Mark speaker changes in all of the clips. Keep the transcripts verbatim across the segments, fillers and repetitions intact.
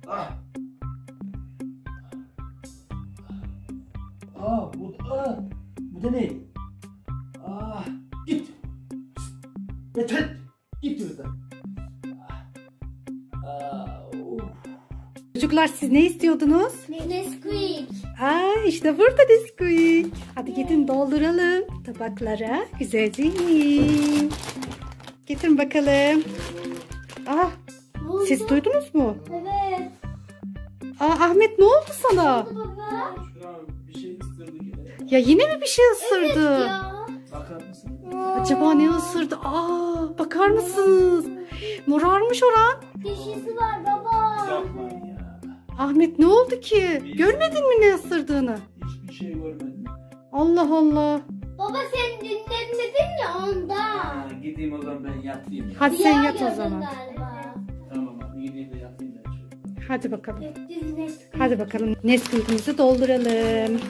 Speaker 1: Ah. Aa, bu, aa, bu da ne? Ah, git. Yeter. Git buradan. Ah, of.
Speaker 2: Çocuklar siz ne istiyordunuz?
Speaker 3: Nesquik.
Speaker 2: Aa, işte burada Nesquik. Hadi gidin dolduralım tabaklara. Güzelce yiyin. Getirin bakalım. Ah, siz duydunuz mu?
Speaker 3: Evet.
Speaker 2: Aa, Ahmet ne oldu sana?
Speaker 3: Baba.
Speaker 1: Şuna bir şey ısırdı yine.
Speaker 2: Ya yine mi bir şey ısırdı?
Speaker 3: Ya.
Speaker 1: Bakar mısın?
Speaker 2: Acaba ne ısırdı? Aa, bakar mısınız? Morarmış oran.
Speaker 3: Dişisi var baba.
Speaker 1: Yapmayın ya.
Speaker 2: Ahmet ne oldu ki? Görmedin mi ne ısırdığını?
Speaker 1: Hiçbir şey görmedim.
Speaker 2: Allah Allah.
Speaker 3: Baba sen dinlemedin ya ondan.
Speaker 1: Ha, gideyim o zaman ben yatayım ya.
Speaker 2: Hadi sen
Speaker 3: Rüya
Speaker 2: yat o
Speaker 3: gördün
Speaker 2: zaman.
Speaker 3: Galiba.
Speaker 1: Tamam abi gideyim de yatayım ben şöyle.
Speaker 2: Hadi bakalım.
Speaker 3: Düz Nesquik.
Speaker 2: Hadi bakalım Nesquik'imizi dolduralım.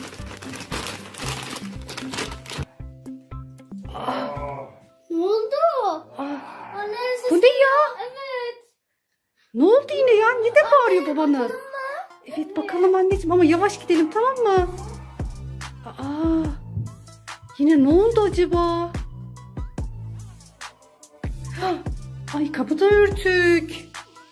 Speaker 3: Ne oldu?
Speaker 2: Aa,
Speaker 3: Anne
Speaker 2: bu ne ya?
Speaker 3: Evet.
Speaker 2: Ne oldu yine ya? Ne de bağırıyor babanız? Evet bakalım anneciğim ama yavaş gidelim tamam mı? Aa, yine ne oldu acaba? Hah, ay kapı da örtük.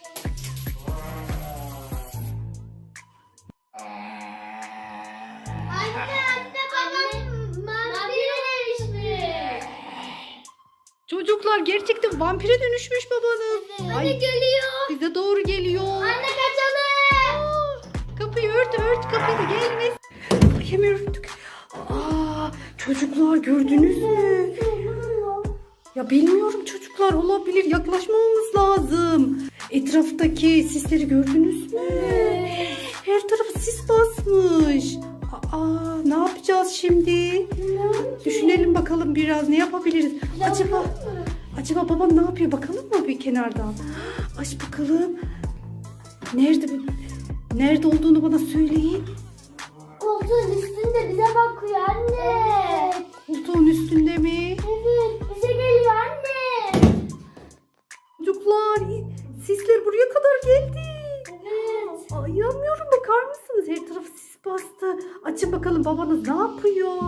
Speaker 3: Anne anne babam vampire dönüşmüş.
Speaker 2: Çocuklar gerçekten vampire dönüşmüş babanız.
Speaker 3: Anne geliyor.
Speaker 2: Bize doğru geliyor.
Speaker 3: Anne kaçalım.
Speaker 2: Kapıyı ört ört kapıyı da gelmez. Ay hemen örttük. Aa, çocuklar gördünüz mü? Ya bilmiyorum çocuklar olabilir yaklaşmamamız lazım. Etraftaki sisleri gördünüz mü? Her tarafı sis basmış. Aa, ne yapacağız şimdi? Düşünelim bakalım biraz ne yapabiliriz? Acaba acaba babam ne yapıyor bakalım mı bir kenardan? Aç bakalım. Nerede bu? Nerede olduğunu bana söyleyin.
Speaker 3: Koltuğun üstünde bize bakıyor anne.
Speaker 2: Koltuğun üstünde mi?
Speaker 3: Evet bize geliyor anne.
Speaker 2: Çocuklar sisler buraya kadar geldi.
Speaker 3: Evet.
Speaker 2: Ay inanmıyorum bakar mısınız? Her tarafı sis bastı. Açın bakalım babanız ne yapıyor?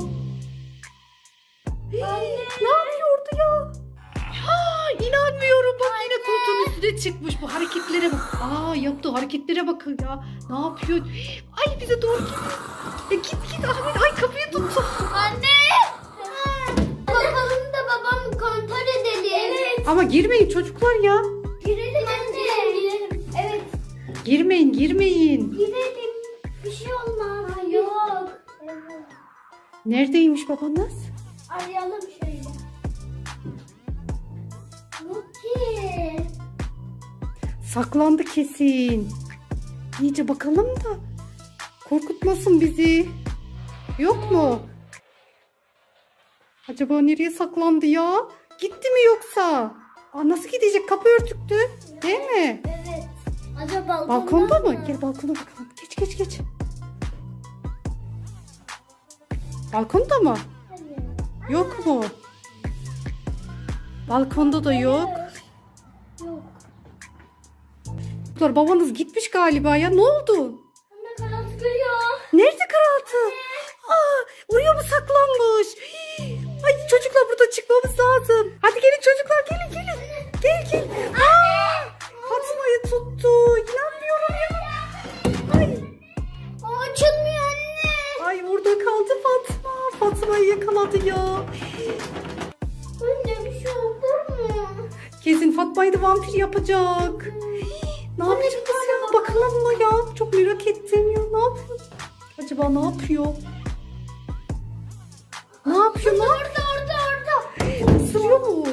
Speaker 2: Hii, ne yapıyordu ya? Ha, inanmıyorum bak yine koltuğun üstüne çıkmış bu hareketlere bak. Aa yaptığı hareketlere bakın ya. Ne yapıyor? Hii, ay bize doğru git. Ya git git Ahmet ay kapıyı tuttu.
Speaker 3: Anne. Bakalım da babamı kontrol edelim. Evet.
Speaker 2: Ama girmeyin çocuklar ya.
Speaker 3: Girelim anne. Girelim. Evet.
Speaker 2: Girmeyin girmeyin.
Speaker 3: Girelim. Bir şey olmaz. Ha, yok. Evet.
Speaker 2: Neredeymiş babanız?
Speaker 3: Arayalım şöyle. Yok ki.
Speaker 2: Saklandı kesin. İyice bakalım da korkutmasın bizi. Yok mu? Acaba nereye saklandı ya? Gitti mi yoksa? Aa, nasıl gidecek? Kapı örtüktü. Değil mi?
Speaker 3: Evet. Acaba balkonda,
Speaker 2: Balkonda mı? Gel balkona bakalım. Geç geç geç. Balkonda mı?
Speaker 3: Evet.
Speaker 2: Yok mu? Balkonda da yok.
Speaker 3: Yok.
Speaker 2: Çocuklar, babanız gitmiş galiba ya. Ne oldu?
Speaker 3: Anne karanlık görüyor.
Speaker 2: Nerede karaltı? Aa, oraya mı saklanmış? Hii. Ay çocuklar burada çıkmamız lazım. Hadi gelin çocuklar gelin gelin. Gel gel. Aa, Fatma'yı tuttu. İnanmıyorum ya. Ay,
Speaker 3: Aa, açılmıyor anne.
Speaker 2: ay orada kaldı Fatma. Fatma'yı yakaladı ya.
Speaker 3: Anne bir şey oldu mu?
Speaker 2: Kesin Fatma'yı da vampir yapacak. Hii, ne yapacağız ya? Bakalım mı ya? Çok merak ettim ya. Ne yapıyor? Acaba ne yapıyor? Ne yapıyor? Ne yapıyor?
Speaker 3: Orada orada orada.
Speaker 2: Isırıyor mu?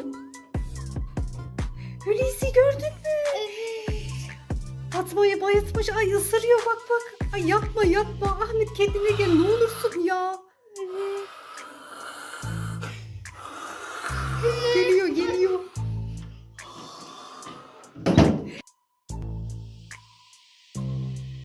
Speaker 2: Hulusi gördün mü? Fatma'yı bayıltmış. Ay ısırıyor bak bak. Ay yapma yapma. Ahmet kendine gel ne olursun ya. Gel